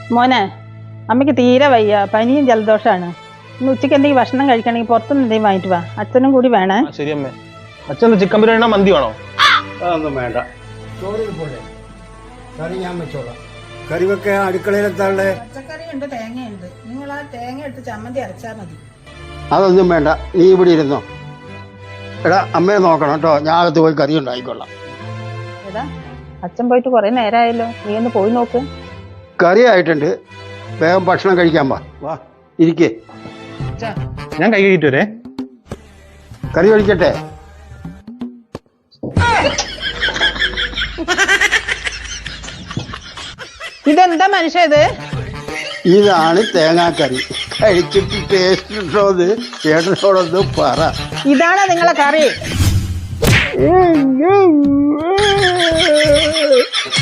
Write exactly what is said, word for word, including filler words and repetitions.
മോനെ അമ്മയ്ക്ക് തീരെ വയ്യ, പനിയും ജലദോഷമാണ്. ഇന്ന് ഉച്ചയ്ക്ക് എന്തെങ്കിലും ഭക്ഷണം കഴിക്കണമെങ്കിൽ പുറത്തുനിന്ന് എന്തെങ്കിലും വാങ്ങിട്ട് വാ. അച്ഛനും കൂടി വേണേ. ശരി അമ്മേ. അച്ഛൻ ചിക്കൻ ബിരിയാണി മന്തി വേണോ? അതൊന്നും വേണ്ട. ചോറിൽ പോലെ കറി ഞാൻ വെച്ചോളാം. കറി വെക്കാൻ അടുക്കളയിലെത്താളെ പച്ചക്കറി ഉണ്ട്, തേങ്ങയുണ്ട്. നിങ്ങൾ ആ തേങ്ങ എടുത്ത് ചമ്മന്തി അരച്ചാൽ മതി. അതൊന്നും വേണ്ട, നീ ഇവിടെ ഇരുന്നോ. എടാ അമ്മയെ നോക്കണം കേട്ടോ, ഞാൻ അകത്ത് പോയി കറി ഉണ്ടായിക്കൊള്ളാം. എടാ അച്ഛൻ പോയിട്ട് കുറെ നേരമായല്ലോ, നീ ഒന്ന് പോയി നോക്ക്. കറി ആയിട്ടുണ്ട്, വേഗം ഭക്ഷണം കഴിക്കാൻ വാ. വാ ഇരിക്കേ. ഞാൻ കൈ കഴിയിട്ട് വരേ. കറി കഴിക്കട്ടെ. ഇതെന്താ മനുഷ്യ ഇത്? ഇതാണ് തേങ്ങാക്കറി. കഴിച്ചിട്ട് ടേസ്റ്റ് ഉണ്ടോന്ന് ചേട്ടനോടൊന്ന് പറ. ഇതാണ് നിങ്ങളെ കറി?